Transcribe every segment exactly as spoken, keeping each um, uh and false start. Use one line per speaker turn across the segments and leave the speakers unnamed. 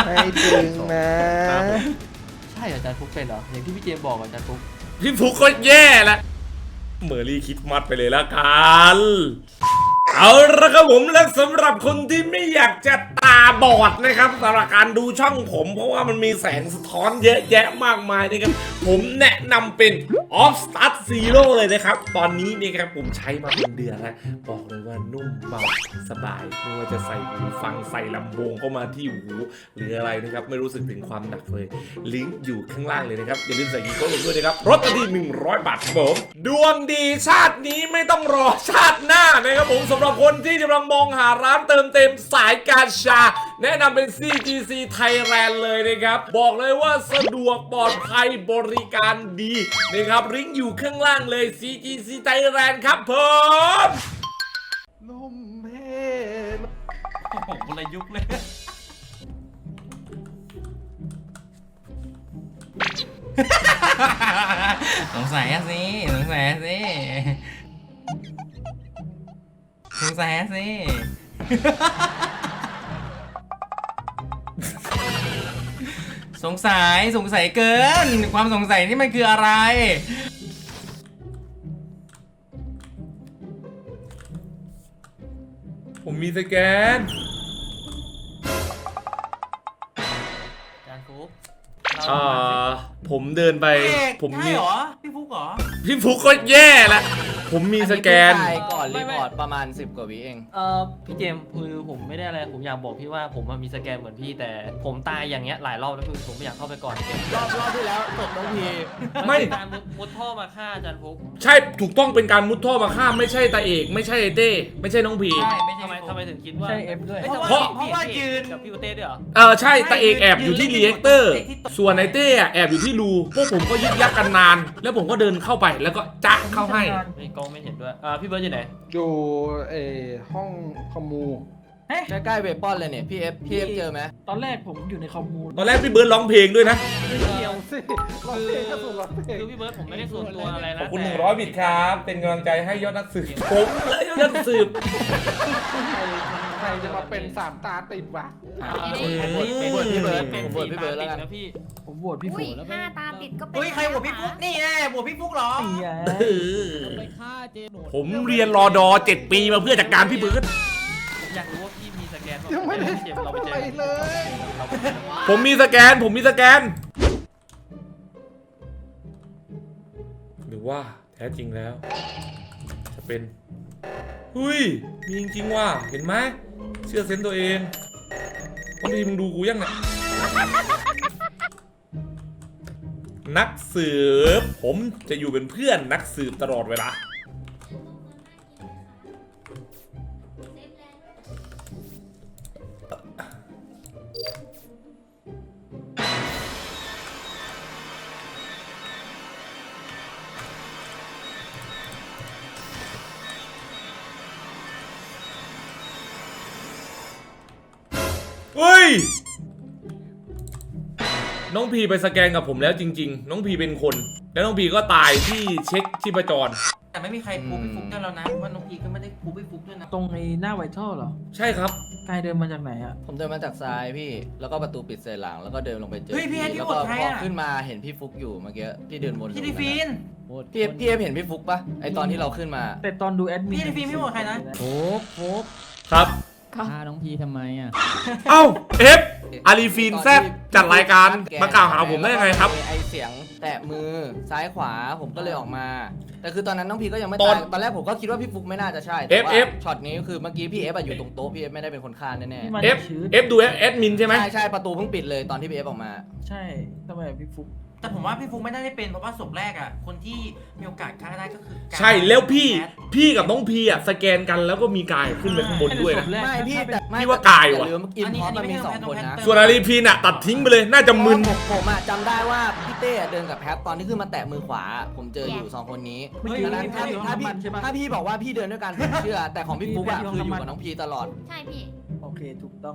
ให้ถึงนะ
ใช่อาจารย์ฟุกเป็นเหรออย่างที่พี่เจมบอกอาจารย์ฟุก
พี่ฟุกก็แย่ละเมอรี่คิดมัดไปเลยละกันเอาละครับผมและสำหรับคนที่ไม่อยากจะตาบอดนะครับสำหรับการดูช่องผมเพราะว่ามันมีแสงสะท้อนเยอะแยะมากมายนะครับผมแนะนำเป็น Off Start Zero เลยนะครับตอนนี้นี่ครับผมใช้มาเป็นเดือนแล้วบอกเลยว่านุ่มเบาสบายไม่ว่าจะใส่หูฟังใส่ลำโพงเข้ามาที่หูหรืออะไรนะครับไม่รู้สึกถึงความหนักเลยลิงก์อยู่ข้างล่างเลยนะครับอย่าลืมใส่กีโก้ลงด้วยนะครับรถที่หนึ่งร้อยบาทครับผมดวงดีชาตินี้ไม่ต้องรอชาติหน้านะครับผมสำหรับคนที่กำลังมองหาร้านเติมเต็มสายการชาแนะนำเป็น ซี จี ซี Thailand เลยนะครับบอกเลยว่าสะดวกปลอดภัยบริการดีนะครับลิงก์อยู่ข้างล่างเลย ซี จี ซี Thailand ครับผม
ลมเพล
โอ้โหคนละยุคเลยสงสัยสิสงสัยสิสงสัยสิสงสัยสงสัยเกินความสงสัยนี่มันคืออะไร
ผมมีสแกน
จานฟุก
อ่าผมเดินไปผมมี
เหรอพี่ฟุกเหรอ
พี่ฟุกก็แย่ละผมมีสแกน
ก่อนรีพอร์ตประมาณสิบกว่าวิเอง
เออพี่เจมส์คือผมไม่ได้อะไรผมอยากบอกพี่ว่าผมมีสแกนเหมือนพี่แต่ผมตายอย่างเงี้ยหลายรอบแล้วคือผมไม่อยากเข้าไปก่อน
รอบรอบที่แล้วตกน้องพี
ไม่
การมุดท่อมาฆ่าอาจารย์ฟุก
ใช่ถูกต้องเป็นการมุดท่อมาฆ่าไม่ใช่ตาเอกไม่ใช่เต้ไม่ใช่น้องพี
ใช่ไม่ใช่ทำไมทำไมถึงคิดว่า
ใช่เอฟด้วย
เพราะเพราะว่ายืนกับพี่เต้ด้วยเหรอ
เออใช่ตาเอกแอบอยู่ที่รีแอคเตอร์ส่วนไอเต้แอบอยู่ที่รูพวกผมก็ยึกยักกันนานแล้วผมก็เดินเข้าไปแล้วก็จ๊ะเข้าให้
ไม่กล้องไม่เห็นด้วยอ่าพี่เบิร์ดอยู่ไหน
อยู่เอห้องคอมมู
ใกล้ๆเวปอนเลยเนี่ยพี่เอฟพี่เอฟเจอไหม
ตอนแรกผมอยู่ในคอมมู
ตอนแรกพี่เบิร์ดร้องเพลงด้วยนะ
ไม่เกี่ยวสิคือคือพี่เบิร์ดผมไม่ได้ส่วนตัวอะไรนะ
ขอบคุณหนึ่งร้อยบิตครับเป็นกำลังใจให้ยอดนักสืบผมเลยยอดนักสืบ
ใครจะมาเป็นสามตาติดวะ
ผมโหวตพี่เบิร์ดผมโหวตพี่เบิร์ดแล้วกัน
พี่
ผมโหวตพี่ฝนแล้ว
ห้าตาติดก็เป็น
เฮ้ยใครโหวตพี่ฟุ๊กนี่แน่โหวตพี่ฟุ๊กหรอ
ไปฆ่าเจโน
ผมเรียนรอดอเจ็ดปีมาเพื่อจัดการพี่เบิร์ด
อยากรู้ว่าพี่มีสแกน
ยังไม่ได้ทำอะไรเลย
ผมมีสแกนผมมีสแกนหรือว่าแท้จริงแล้วจะเป็นหุ้ยมีจริงๆว่ะเห็นไหมเชื่อเซนตัวเองต้องทีมึงดูกูยังเนี่ยนักสืบผมจะอยู่เป็นเพื่อนนักสืบตลอดเวลาเฮ้ยน้องพีไปสแกนกับผมแล้วจริงๆน้องพีเป็นคนแล้วน้องพีก็ตายที่เช็คชีพจร
แต่ไม่มีใครพูดพี่ฟุ๊กได้แล้วนะว่าน้องพีก็ไม่ได้พูดพี่ฟุ๊กด้วยนะ
ตรงในหน้าไวท์ท่อเหรอ
ใช่ครับ
กายเดินมาจากไหนอ่ะ
ผมเดินมาจากซ้ายพี่แล้วก็ประตูปิดเสร็จหลังแล้วก็เดินลงไปเจอ
พี่
แล้วก็พอขึ้นมาเห็นพี่ฟุกอยู่เมื่อกี้พี่เดินวน
พี่ดิฟิน
พี่พี่เอฟเห็นพี่ฟุกปะไอตอนที่เราขึ้นมา
แต่ตอนดูแอดมิน
พี่ดิฟินไม่โหวตใครนะ
โอ้โห
ครับ
ฆ่าน้องพีทำไมอ่ะ
เอ้าเอฟอารีฟินแซบจัดรายการมากล่าวหาผมได้ยังไงครับ
ไอเสียงแตะมือซ้ายขวาผมก็เลยออกมาแต่คือตอนนั้นน้องพีก็ยังไม่ตายตอนแรกผมก็คิดว่าพี่ฟุกไม่น่าจะใช่แต่ว่าช็อตนี้คือเมื่อกี้พี่เอฟอยู่ตรงโต๊ะพี่เอฟไม่ได้เป็นคนฆ่าแน่
ๆเอฟเอฟดูแอดมินใช่ไหม
ใช่ใช่ประตูเพิ่งปิดเลยตอนที่พี่เอฟออกมา
ใช่ทำไมพี่ฟุก
แต่ผมว่าพี่ฟุกไม่ได้เป็นเพราะว่าศพแรกอ่ะคนที่มีโอกาสฆ่าได้ก็คือ
ใช่แล้วพี่พี่กับน้องพีอ่ะสแกนกันแล้วก็มีกายขึ้นไปข้างบนด้วยนะ
ไม่พี่แต่
พี่ว่ากายว่ะ
อินพอร์ตมันมีสองคนนะ
ส่วนอารีพีนอ่ะตัดทิ้งไปเลยน่าจะมึน
ผมอ่ะจำได้ว่าพี่เต้เดินกับแพทตอนที่ขึ้นมาแตะมือขวาผมเจออยู่สองคนนี้ดังนั้นถ้าถ้าพี่ถ้าพี่บอกว่าพี่เดินด้วยกันผมเชื่อแต่ของพี่ฟุกอ่ะคืออยู่กับน้องพีตลอด
ใช่พี่
โอเคถูกต้อง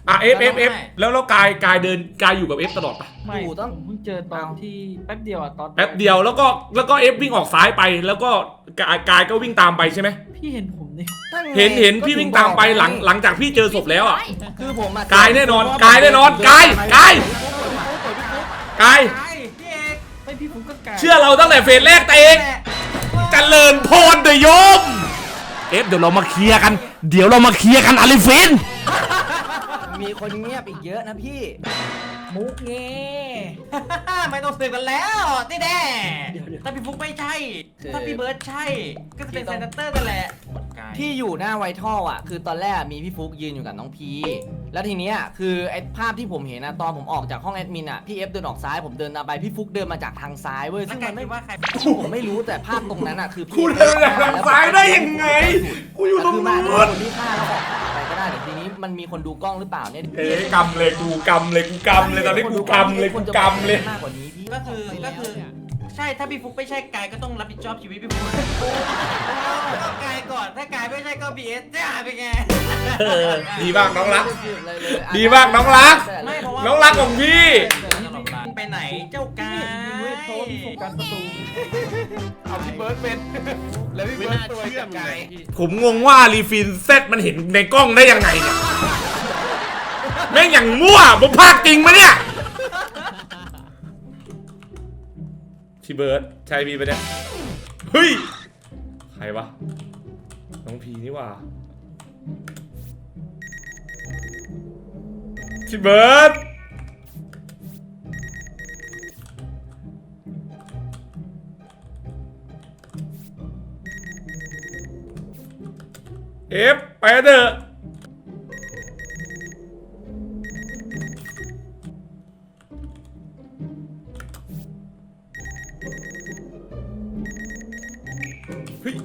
อ่ะเอฟเอฟเอฟแล้วแล้วกายกายเดินกายอยู่กับเอฟตลอดปะ
ไม่
อยู่ต้อง
ผมเพิ่งเจอตอน
เอา
ที่แป๊บเดียวอะตอน
แป๊บเดียวแล้วก็แล้วก็เอฟวิ่งออกซ้ายไป แล้วก็กายกายก็วิ่งตามไปใช่ไหม
พี่เห็นผมนี่
นั่ไง
เห็นเห็น
ก็
พี่
ถึ
วิ่งตามไป
บอก
หลังหลังจากพี่เจอศพแล้วอ่ะ
คือผมอะ
กายแน่นอนกายแน่นอนกายกาย กาย
พี่เอก
ไม่พี่ฟุกก็กลาย
เชื่อเราตั้งแต่เฟสแรกแต่เองเจริญพรเดยโยมเอฟเดี๋ยวเรามาเคลียร์กัน เดี๋ยวเรามาเคลียร์กันอาลิฟิน
มีคนเงียบอีกเยอะนะพี่
มุกเง
ไม่ต้องสืบกันแล้วนี่แน่ถ้าพี่ฟุกไม่ใช่
คือ
ถ้าพี่เบิร์ดใช่ ก็จะเป็นเซนเตอร์กันแหละ
ที่อยู่หน้าไวท์ท่ออ่ะ คือตอนแรกมีพี่ฟุกยืนอยู่กับน้องพีแล้วทีเนี้ยคือไอ้ภาพที่ผมเห็นนะตอนผมออกจากห้องแอดมินอ่ะพี่เอฟเดินออกซ้ายผมเดินตามไปพี่ฟุกเดินมาจากทางซ้ายเว้ย
แล้ว
ซึ่ง
กา
มั
ย
นไม่
คิดว่าใคร
ผมไม่รู้แต่ภาพตรงนั้นอ่ะคือ
กูเดินจากทางซ้ายได้ยังไงกูอยู่ตรง
คือมา
นู้
คน นที่ฆ่าแล้วออกขวาไปก็ได้แต่ทีนี้มันมีคนดูกล้องหรือเปล่าเนี่ย
เอ๊ะกำเลยกูกำเลยกูกำเลยตอนนี้กูกำเลยกูกำเลย
มากกว่านี้พี่
ก็คือก็คือใช่ถ้าพี่ฟุกไม่ใช่กายก็ต้องรับผิดชอบชีวิตพี่ฟุกก็กายก่อนถ้ากายไม่ใช่ก็บีเอสจะหายไปไง
เออดีมากน้องรัก
เลยเลย
ดีมากน้องรัก
ไม่เพราะว่า
น้องรักของพี่
ไปไหนเจ้ากาย
โทษพี่โฟกัสประตู
เอาพี่เบิร์ดเป็น แล้วพี่เบิร์ดตัวกับไก่
ผมงงว่ารีฟินเซตมันเห็นในกล้องได้ยังไงเนี่ยแม่งอย่างมั่วผมพากจริงมะเนี่ยพี่เบิร์ดใช่พี่ปะเนี่ยเฮ้ยใครวะน้องพีนี่หว่าพี่เบิร์ดเอฟไปเถอะเฮ้ย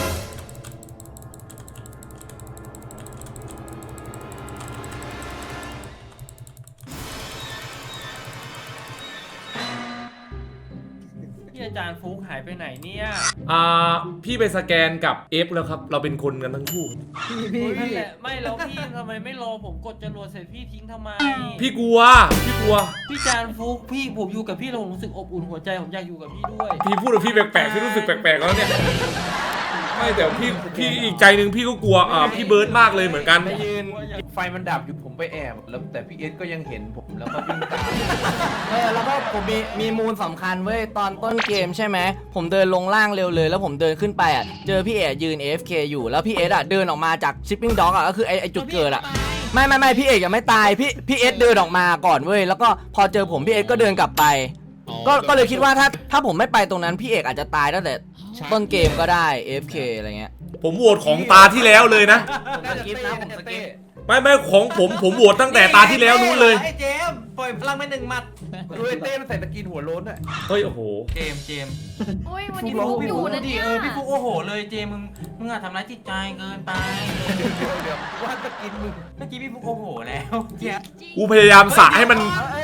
พี่อาจารย์ฟุกหายไปไหนเนี่ย
อ่าพี่ไปสแกนกับเอฟแล้วครับ เราเป็นคนกันทั้งคู่
พี่พี่
นั่น
พี่
แหละไม่แล้วพี่ทำไมไม่รอผมกดจรวดเสร็จพี่ทิ้งทำไม
พี่กลัว พี่กลัว
พี่จานฟุกพี่ผมอยู่กับพี่แล้วผมรู้สึกอบอุ่นหัวใจผมอยากอยู่กับพี่ด้วย
พี่พูดกับพี่แปลกๆพี่รู้สึกแปลกๆแล้วเนี่ย ไม่แต่พี่พี่อีกใจหนึ่งพี่ก็กลัวอ่าพี่เบิร์ดมากเลยเหมือนกัน
ไปยืนไฟมันดับอยู่ผมไปแอบ แล้วแต่พี่เอสก็ยังเห็นผมแล้วก็วิ่งตาม
เออแล้วก็ผมมีมีมูลสำคัญเว้ยตอนต้นเกมใช่ไหมผมเดินลงล่างเร็วเลยแล้วผมเดินขึ้นไปอ่ะเจอพี่เอยืน เอ เอฟ เค อยู่แล้วพี่เอสอ่ะเดินออกมาจากชิปปิ้งด็อกอ่ะก็คือไอไอจุดเกิดอ่ะไม่ไม่ไม่พี่เอกยังไม่ตายพี่พี่เอสเดินออกมาก่อนเว้ยแล้วก็พอเจอผมพี่เอสก็เดินกลับไป ก็ก็เลยคิดว่าถ้าถ้าผมไม่ไปตรงนั้นพี่เอกอาจจะตายตั้งแต่ต้นเกมก็ได้ เอ เอฟ เค อะไรเงี้ย
ผมโหวตของตาที่แล้วเลยนะ
ผมสกิปนะผมสกิป
ไม่ไม่ของผมผมโหวตตั้งแต่ตาที่แล้วนู้นเลย
ไอ้เจมส์ปล่อยพลังไปหนึ่งหมัด
ดูไอ้เต้มันใส่ตะกินหัวโล้นอ่ะ
เฮ้ยโอ้โห
เจมส์เจมส์
อุ้ยวัน
พี่
นี้
ฟุ
ฟุ
ก
ก
พี่
อ
ฟุ
ยู่
ก
นะ
ดิ
เนี่ย
เออพี่ฟุกโอ้โหเลยเจมส์มึงมึงอะทำร้ายจิตใจเกินไป
เดี๋ยวเดี๋ยวว่าตะกินมึง
เมื่อกี้พี่ฟุกโอ้โหแล้วเจี๊ยบ
กูพยายามสระให้มัน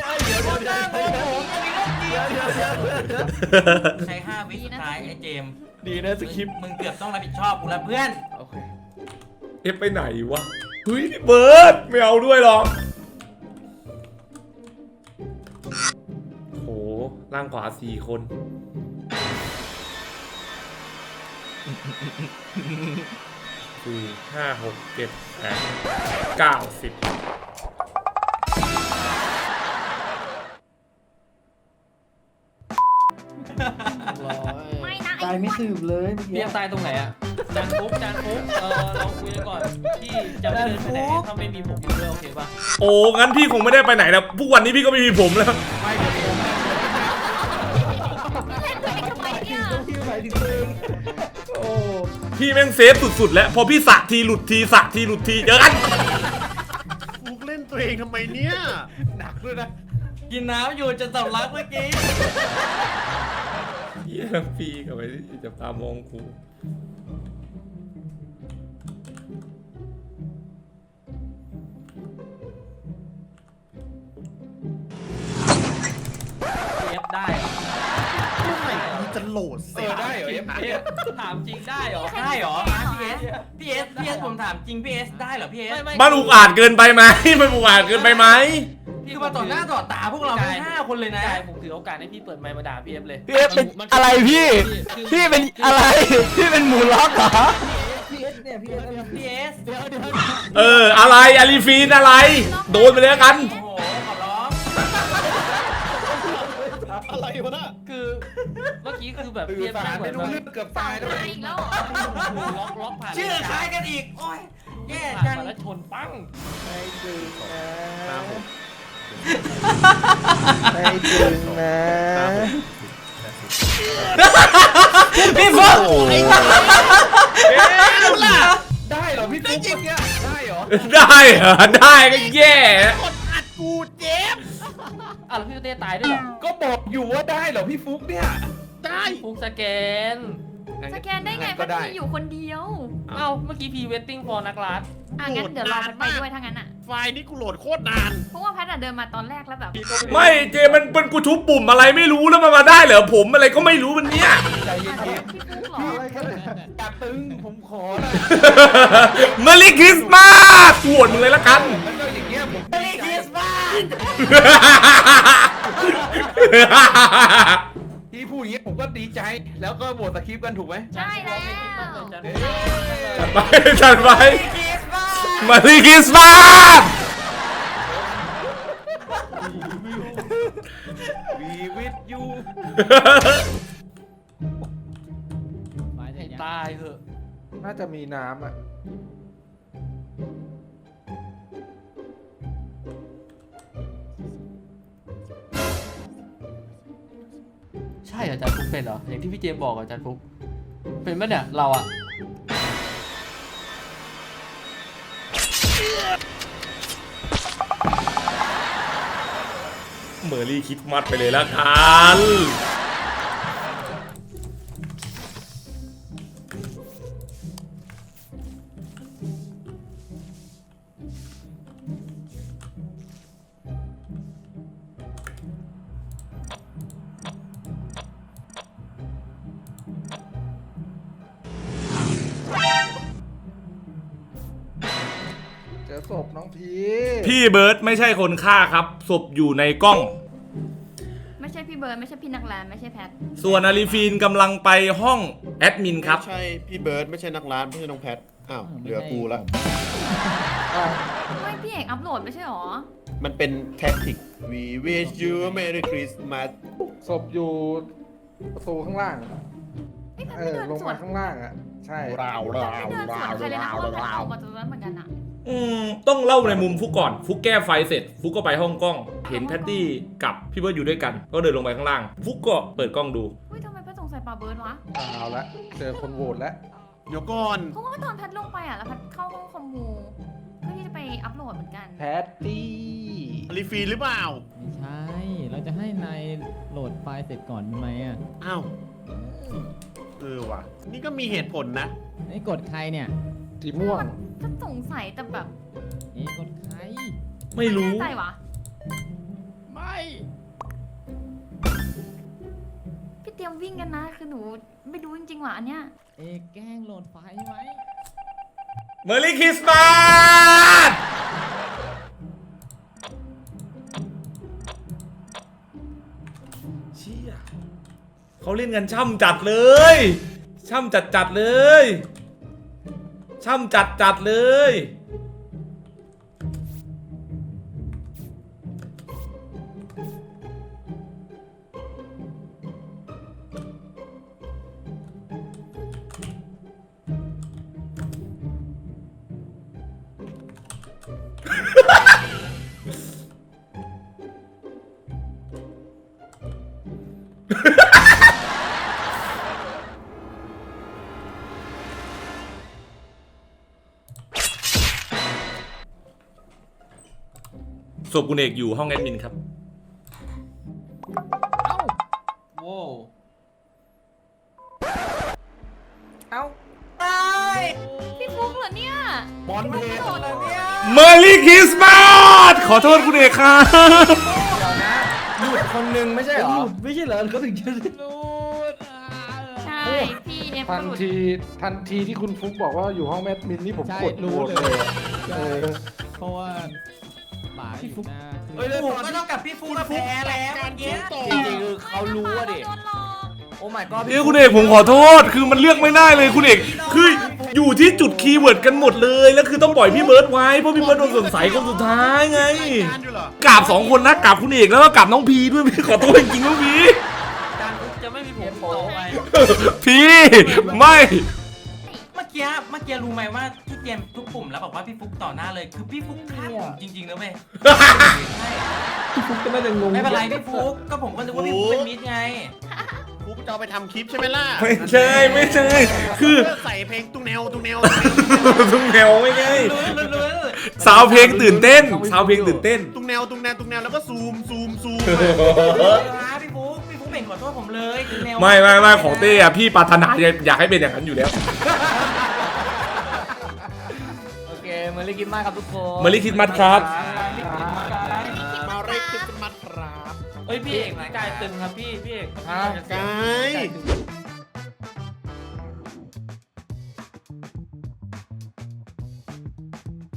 ใช้ห้าวิสุดท้ายไอ้เจมส์
ดีนะสคริปต์
มึงเกือบต้องรับผิดชอบกูแล้วเพื่อน
โอเค
เอฟไปไหนวะ เฮ้ยพี่เบิร์ดไม่เอาด้วยหรอกโหล่างขวาสี่คน สี่ห้าหกเจ็ดแปดเก้าสิบ
ไม่นะ
ตายไม่สืบเลยเมื่อ
เรี
กี้
ยกตายตรงไหนอะจานฟุกจานฟุกเออเราคุยกันก่อนพี่จะไม่เดินไปไหนถ้าไม่มีผมอยู่ด้วยโอเคป่ะ
โอ้ งั้นพี่คงไม่ได้ไปไหนแล้วพวกวันนี้พี่ก็ไม่มีผมแล้ว
ไม่เดี๋ยวผม
เล่นตัวเองทำไมเนี่ย
พี่หมายถึงตัวเองโอ้
พี่แม่งเซฟสุดๆแล้ว พอพี่สระทีหลุดทีสระทีหลุดทีเจอกัน
ฟุกเล่นตัวเองทำไมเนี่ย
หนักด้วยนะ
กินน้ำอยู่จะสำลักเมื่อกี้
เยี่ยมปีกับไปจับตามองกู
เอฟได้เหรอ
เมื่อไหร่มึงจะโหลด
เอ
เสีย
อได้เหรอเอฟเอส
ถามจริงได้เหรอได้เหรอพี่เอสพี่เอสพี่เอสผมถามจริงพี่เอสได้เหรอพี่เอส
มันอุกอาจเกินไปไหมมันอุกอาจเกินไปไหม
คือมาต่อหน้าต่อตาพวกเราทั้งห้าคนเลยนะ
ใช่ผมถือโอกาสให้พี่เปิดไมค์มาด่าพี่เอฟเลย
พี่เอฟเป็นอะไรพี่ พี่เป็นอะไร พี่เป็นหมูล็อกเหรอ
พีเอสเนี่ยพีเอสเนี่ย
พี่เอส
เดี๋ยวเดี๋ยว
เอออะไรอาลีฟีนอะไร โดนไปเลยละกัน
โอ้โหขอร้อง
อะไรวะน่ะ
คือเมื่อกี้คือแบบ
สื่
พี่
อ
เอฟ
สาร
เหมื
ไม่
อน
รู้
ว่า
เรื่องเกือบ
สา
ตาย
ย
แล้ว
อีกแล้วเหรอ
ล็อกล็อกผ่าน
ชื่อคล้ายกันอีกโอ้ยแย่
ผ่าน
จัง
มาแล้วชนปั้ง
ไม่ดึงนะ
ครับผม
ไม่ดึงนะ
พี่ฟุ๊ก
ได้เหรอพี่ฟุ๊กเมื่อกี้ได้เหรอ
ได้เหรอได้ก็แย่
อ่ะแล้วพี่เต้ตายด้วยเหรอ
ก็บอกอยู่ว่าได้เหรอพี่ฟุ๊กเนี่ย
พี่ฟุกสแกน
สแกนได้ไง
งั้น
พั
ก็
ด
ได้
มีอยู่คนเดียว
เอ้าเมื่อกี้พีเวทติ้งฟอร์นักรัฐ
อ่ะงั้นเดี๋ยวรอพัดไปด้วยถ้างั้นอ่ะ
ไฟล์นี้กูโหลดโคตรนาน
เพราะว่าพัดอะเดินมาตอนแรกแล้วแบบ
ไม่เจมันเป็นกูทุบปุ่มอะไรไม่รู้แล้วมันมาได้เหรอผมอะไรก็ไม่รู้มันเนี่ย
ใจเย็
อาจจะ
น
พี่ฟุกเหรอ
อะไรกันเนี่ย
ๆอย่าตึงผมขอละ
เมอรี่คริสต์มาสปวดมึงเลยละกัน
แล้วก็อย่างเงี้ยผม
เมรี่คริสต์มาส
ที่พูดอย่างเงี้ยผมก็ดีใจแล้วก็โหวตสคริปต์กันถูกไหม
ใช่แล้ว
จัดไปจัดไป
คริสต์มาส
เมอรี่คริสต์มาส
วีวิทยู
ให้ตายเหอะ
น่าจะมีน้ำอ่ะ
ใช่เหรออาจารย์ฟุกเป็นเหรออย่างที่พี่เจมส์บอกเหรออาจารย์ฟุกเป็นปะเนี่ยเราอะ
เมอรี่คริสต์มาสไปเลยละกัน
เจอศพน้องพี
พี่เบิร์ดไม่ใช่คนฆ่าครับศพอยู่ในกล้อง
ไม่ใช่พี่เบิร์ดไม่ใช่พี่นักแลนไม่ใช่แพท
ส่วนอาลีฟีนกำลังไปห้องแอดมินครับ
ไม่ใช่พี่เบิร์ดไม่ใช่นักร้านไม่ใช่น้องแพท อ้าวเหลือกูละ
ไม่พี่เอกอัพโหลดไม่ใช่หรอ
มันเป็นแท็กติก We wish you a Merry Christmas
ศพอยู่ประตูข้างล่าง
ไอ้ยแพท
เอ
ไม่
อ
เดิน
ลง
สว
มาน ข้างล่างอ่ะ ใช่
ราว
แพ
รา
ท
ว
ไม่เดินส
รา
วน
ว
ใครเลยนะ
รา
เพ
ว
ราะว่าแพท
รา
อ
ว
อกมาตรงนั้นเหมือนกันอะ
อืมต้องเล่าในมุมฟุกก่อน ฟุกแก้ไฟเสร็จ ฟุกก็ไปห้องกล้อง เห็นแพตตี้กับพี่เบิร์ดอยู่ด้วยกัน ก็เดินลงไปข้างล่าง ฟุกก็เปิดกล้องดู
อุ้ยทำไมแพทสงสัยปาเบิร์ดวะ
เอาละ เจอคนโหวตแล้ว
เดี๋ยวก่อน
เพราะว่าตอนแพทลงไปอ่ะแล้วแพทเข้าห้องคอมมูเพื่อที่จะไปอัพโหลดเหมือนกัน
แพตตี้
รีฟีนหรือเปล่า
ไม่ใช่ เราจะให้นายโหลดไฟล์เสร็จก่อนไหมอ่ะ
อ้าว เออว่ะ นี่ก็มีเหตุผลนะ
ไอ้กดใครเนี่ย
สีม่วง
ก็สงสัยแต่แบบ
เอ้กดใคร
ไม่รู้
แน่ใจวะ
ไม่
พี่เตรียมวิ่งกันนะ คือหนูไม่รู้จริงๆว่ะอันเนี้ย
เอ้แกล้งโหลดไฟล์ไหม
เมอรี่คริสต์มาสเชี่ยเขาเล่นกันช่ำจัดเลย ช่ำจัดจัดเลย ช่ำจัดจัดเลยศพคุณเอกอยู่ห้องแอดมินครับ
โว้ว
เอ้าตาย
พี่ฟุกเหรอเนี่ย
บอลเพลย์
โหลดเนี่ย
เมอรี่คริสต์มาสขอโทษคุณเอกครับ
หลุดคนนึงไม่ใช่เหรอ
ไม่ใช่เหรอเขาถึงจะ
หลุดอ่ะ
ใช่พี่เอฟ
ทั
ก็
น
หลุด
ทีทันทีที่คุณฟุกบอกว่าอยู่ห้องแมดมินนี่ผม
ใช่
กด
รู้
โหวต
เลย
เลยอะเออ
เพราะว่าป๋าอยู่หน้า
เฮ้ยผมก็ต้องกับพี่ฟุกก็แพ้แล้วเมื่อกี้
จริงๆคือเขารู้อะดิ
โดนหลอก
โอ้ my god
เอ้ยคุณเอกผมขอโทษ คือมันเลือกไม่ได้เลยคุณเอกคืออยู่ที่จุดคีย์เวิร์ดกันหมดเลยแล้วคือต้องปล่อยพี่เบิร์ดไว้เพราะพี่เบิร์ดโดนสงสัยคนสุดท้ายไง
รายการอยู่เหรอก
ราบสองคนนะกราบคุณเอกแล้วก็กราบน้องพีด้วยพี่ขอโทษจริงๆน้องพี
การฟุกจะไม่มีผมต่อไป
พี่ไม่
เมื่อกี้เมื่อกี้รู้ไหมว่าที่เกมทุกปุ่มแล้วบอกว่าพี่ฟุกต่อหน้าเลยคือพี่ฟุกฆ่าผมจริงๆนะเว้ย
พี่ฟุกก็น่าจะงง
ไม่เป็นไรพี่ฟุกก็ผมก็นึกว่าพี่ฟุกเป็นมิตรไง
ฟุกจะเอาไปทำคลิปใช่ไหมล่ะ
ไม่ใช่ไม่ใช่คือ
ใส่เพลงตุ้งแนวตุ้งแนว
ทุกแนวไม่ใช่
รู้รู้รู้
สาวเพลงตื่นเต้นสาวเพลงตื่นเต้น
ตุ้งแนวตุ้งแนวตุ้งแนวแล้วก็ซูมซูมซูม
พี่ฟุกพี่ฟุกเบ่งขอโทษผมเลยคือแนว
ไม่ไม่ไม่ของเต้อะพี่ปรารถนาอยากให้เป็นอย่างนั้นอยู่แล้ว
โอเคเมอร์รี่คิดมากครับทุกคน
Merry Christmas ครับ
มาเรคคริสต์มาสครับ
เฮ้ยพี่เอกกายตึงครับพี่พี่เอก
ฮะ
กาย